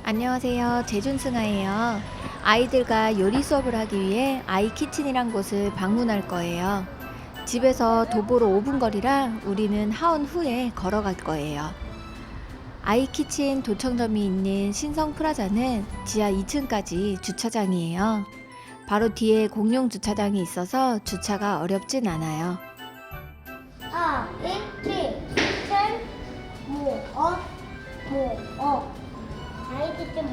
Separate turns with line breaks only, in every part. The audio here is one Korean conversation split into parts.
안녕하세요. 제준승아예요. 아이들과 요리 수업을 하기 위해 아이키친이란 곳을 방문할 거예요. 집에서 도보로 5분 거리라 우리는 하원 후에 걸어갈 거예요. 아이키친 도청점이 있는 신성프라자는 지하 2층까지 주차장이에요. 바로 뒤에 공용 주차장이 있어서 주차가 어렵진 않아요.
아이키친 아이키친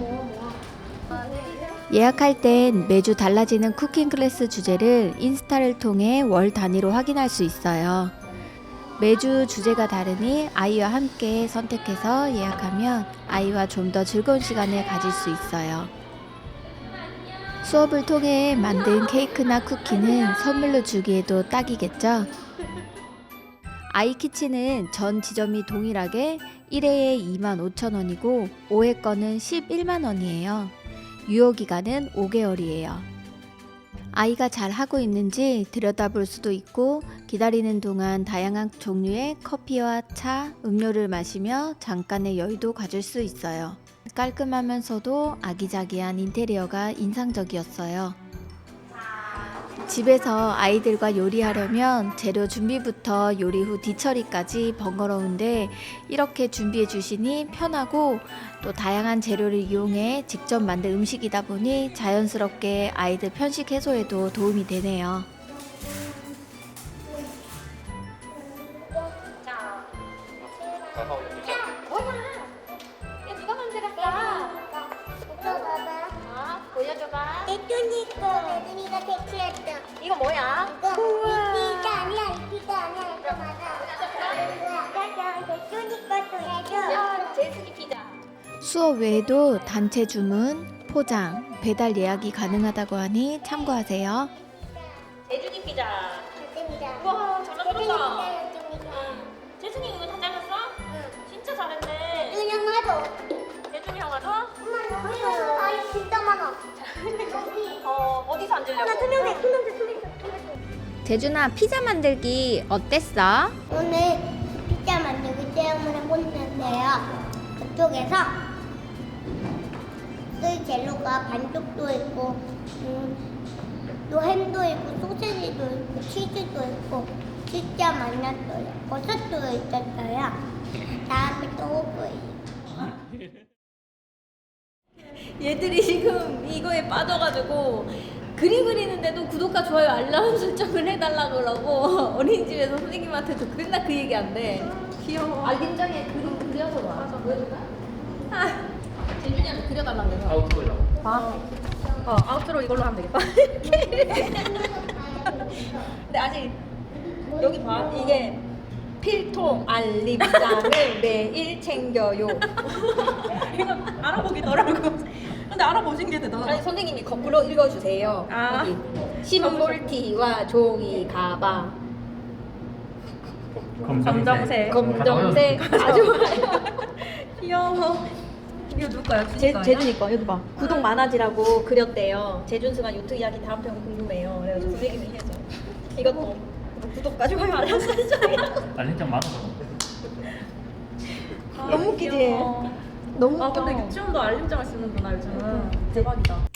예약할 땐 매주 달라지는 쿠킹 클래스 주제를 인스타를 통해 월 단위로 확인할 수 있어요. 매주 주제가 다르니 아이와 함께 선택해서 예약하면 아이와 좀 더 즐거운 시간을 가질 수 있어요. 수업을 통해 만든 케이크나 쿠키는 선물로 주기에도 딱이겠죠? 아이키친은 전 지점이 동일하게 1회에 25,000원이고 5회 거는 11만원이에요. 유효기간은 5개월이에요. 아이가 잘 하고 있는지 들여다볼 수도 있고 기다리는 동안 다양한 종류의 커피와 차, 음료를 마시며 잠깐의 여유도 가질 수 있어요. 깔끔하면서도 아기자기한 인테리어가 인상적이었어요. 집에서 아이들과 요리하려면 재료 준비부터 요리 후 뒤처리까지 번거로운데 이렇게 준비해 주시니 편하고 또 다양한 재료를 이용해 직접 만든 음식이다 보니 자연스럽게 아이들 편식 해소에도 도움이 되네요.
누가 만들었어? 보여줘봐.
내준이가 대체했다.
이거 뭐야?
이피가 아니야. 이거 맞아. 내준이 것도 해줘.
제스기 피자.
수업 외에도 단체 주문, 포장, 배달 예약이 가능하다고 하니 참고하세요.
제준이 피자.
맞습니다.
우와, 잘 만들었다.
내준이가.
제준이 이거 다 잘랐어? 진짜 잘했네.
내준이 형아도.
제준이 형아도?
엄마 아이 진짜 많아.
어디서 앉으려고?
하나 투명해.
재준아, 피자 만들기 어땠어?
오늘 피자 만들기 체험을 해봤는데요. 그쪽에서 쓸 재료가 반죽도 있고, 또 햄도 있고, 소세지도 있고, 치즈도 있고, 진짜 많았어요. 버섯도 있었어요. 다음에 또 올 거예요.
얘들이 지금 이거에 빠져가지고 그림 그리는데도 구독과 좋아요 알람 설정을 해달라 그러고 어린이집에서 선생님한테도 맨날 그 얘기 한대. 귀여워. 알림장에 그림 그려서 와. 맞아. 보여줄까? 재준이한테 그려달라 그래서.
아웃도어라고.
봐. 아웃트로 이걸로 하면 되겠다. 근데 아직 여기 봐. 이게 필통 알림장을 매일 챙겨요.
이거 알아보기 어려고. 근데 알아보신 게 대단하다.
아니 선생님이 거꾸로 읽어주세요.
아.
여기 심볼티와 종이 가방,
검정색.
검정색 아주 좋아요.
귀여워. 이거 누구 거야?
제준이 거 여기 봐. 구독 많아지라고 그렸대요. 제준승아 요트 이야기 다음 편 궁금해요. 그래가지고 선생님이 해줘. 이것도 구독과 좋아요 알람 설정이라고.
알림장 많아.
너무 웃기지?
귀여워.
너무
아
웃겨.
근데 유치원도 알림장을 쓰는구나 요즘은. 대박이다.